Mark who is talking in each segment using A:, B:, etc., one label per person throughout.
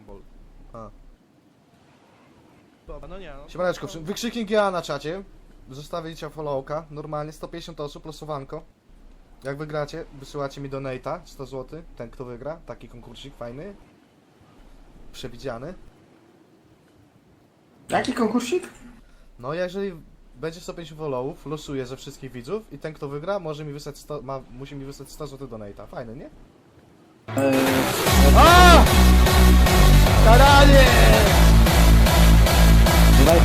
A: Rumble.
B: A.
A: Dobra, no nie no.
B: Siemaneczko, wykrzyknik GA na czacie. Zostawicie followka, normalnie 150 osób, losowanko. Jak wygracie, wysyłacie mi donate'a, 100 zł, ten kto wygra, taki konkursik fajny. Przewidziany.
C: Jaki konkursik?
B: No jeżeli będzie 150 followów, losuję ze wszystkich widzów i ten kto wygra może mi wysłać 100, musi mi wysłać 100 zł donate'a. Fajny, nie? A! Karanie!
C: Daj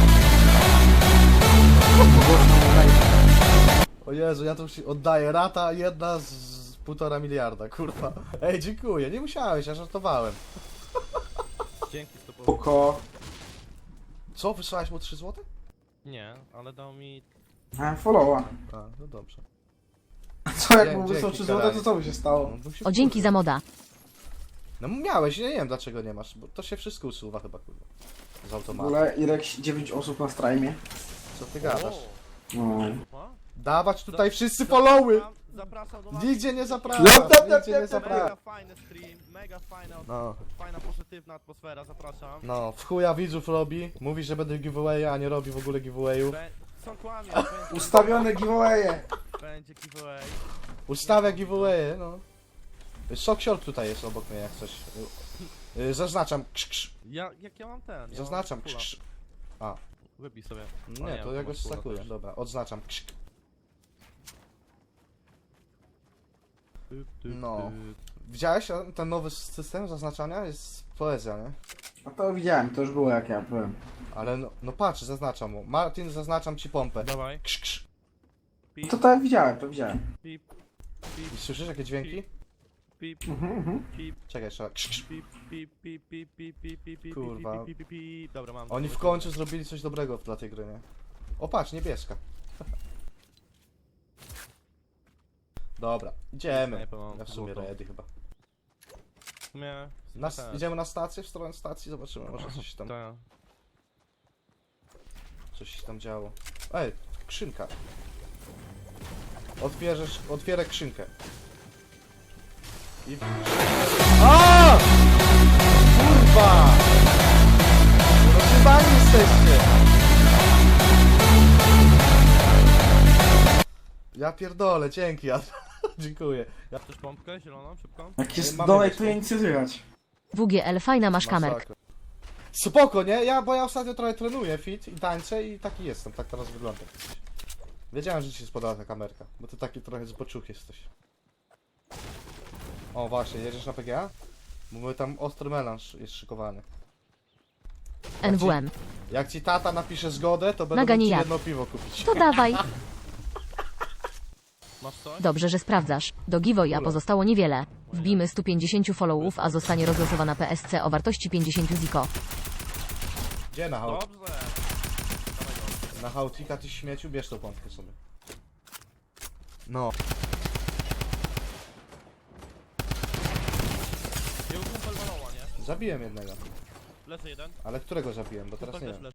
B: O Jezu, ja to już oddaję. Rata jedna z 1,5 miliarda, kurwa. Ej, dziękuję, nie musiałeś, ja żartowałem.
A: Dzięki 100%.
C: Poko.
B: Co, wysłałeś mu 3 zł?
A: Nie, ale dał mi...
C: Followa.
B: A, no dobrze.
C: Co, jak
B: Dzięki,
C: mu wysłał 3
B: karanie.
C: zł, to co by się stało?
B: No, bym się
D: O, dzięki
B: wkurzył.
D: za moda.
B: No miałeś, ja nie wiem dlaczego nie masz, bo to się wszystko usuwa chyba, kurwa. Z
C: W
B: automatu.
C: ogóle Irek 9 osób na streamie.
B: Co ty gadasz?
C: No.
A: O,
B: Dawać tutaj wszyscy followy!
A: Zapraszam do
B: Nigdzie nie zapraszam,
C: Lep, lep,
B: nigdzie nie
C: lep,
B: zapraszam.
A: Mega fajny stream, mega
B: No,
A: fajna, pozytywna atmosfera, zapraszam.
B: no, w chuja widzów robi, mówi, że będę giveaway, a nie robi w ogóle giveawayów.
A: Są kłamie,
C: Ustawione giveawaye.
A: będzie giveaway.
B: Ustawia giveawaye, no. Soksior tutaj jest obok mnie jak coś. Zaznaczam, krz.
A: Jak ja mam ten?
B: Zaznaczam,
A: Ja mam
B: krz.
A: fulla.
B: A,
A: Wybij sobie.
B: nie, to ja go
A: masz fulla
B: stakuję,
A: też.
B: dobra, odznaczam, krz. No. Widziałeś ten nowy system zaznaczania? Jest poezja, nie?
C: No to widziałem, to już było jak ja byłem.
B: Ale no patrz, zaznaczam mu. Martin, zaznaczam ci pompę.
A: Dawaj.
B: Krz.
A: Pip,
C: No to tak widziałem, to widziałem.
A: pip,
B: I słyszysz jakie dźwięki?
A: pip, pip,
B: Czekaj, jeszcze. Krz.
A: pip, pip, pip, pip, pip, pip, pip, pip,
B: Kurwa.
A: pip, pip, pip. Dobra, mam.
B: Oni w końcu zrobili coś dobrego dla tej gry, nie? O patrz, niebieska. Dobra, idziemy.
A: Snajpę mam
B: Ja w sumie
A: złotą.
B: ready chyba.
A: W sumie
B: Idziemy na stację, w stronę stacji, zobaczymy, może coś tam,
A: Tak.
B: coś się tam działo. Ej, skrzynka. Otwierę skrzynkę. I... A! Kurwa! Rozrywani jesteście! Ja pierdolę, dzięki, ja... Dziękuję. Ja...
A: Chcesz pompkę zieloną, szybko?
C: Jak jest
B: Mamy
C: donek,
B: wiesz,
C: to
B: no.
C: ja nic nie słychać.
D: WGL, fajna masz kamerkę.
B: Masakra. Spoko, nie? Bo ja ostatnio trochę trenuję fit i tańczę i taki jestem, tak teraz wygląda. Wiedziałem, że ci się spodobała ta kamerka, bo ty taki trochę zboczuch jesteś. O właśnie, jedziesz na PGA? Bo my tam ostry melanż jest szykowany.
D: NWM.
B: Jak ci tata napisze zgodę, to będę
D: Naga
B: mógł
D: nie
B: ci
D: ja.
B: jedno piwo kupić.
D: To dawaj.
A: Masz coś?
D: Dobrze, że sprawdzasz. Do giveawaya pozostało niewiele. Wbijmy 150 followów, a zostanie rozlosowana PSC o wartości 50 ziko.
B: Gdzie na hałt?
A: Dobrze.
B: Na hałtika ty śmieciu, bierz tą pompkę sobie. No.
A: Jego kumpel maloła, nie?
B: Zabiłem jednego.
A: Lecę jeden.
B: Ale którego zabiłem, bo teraz nie
A: Kumpel też
B: wiem.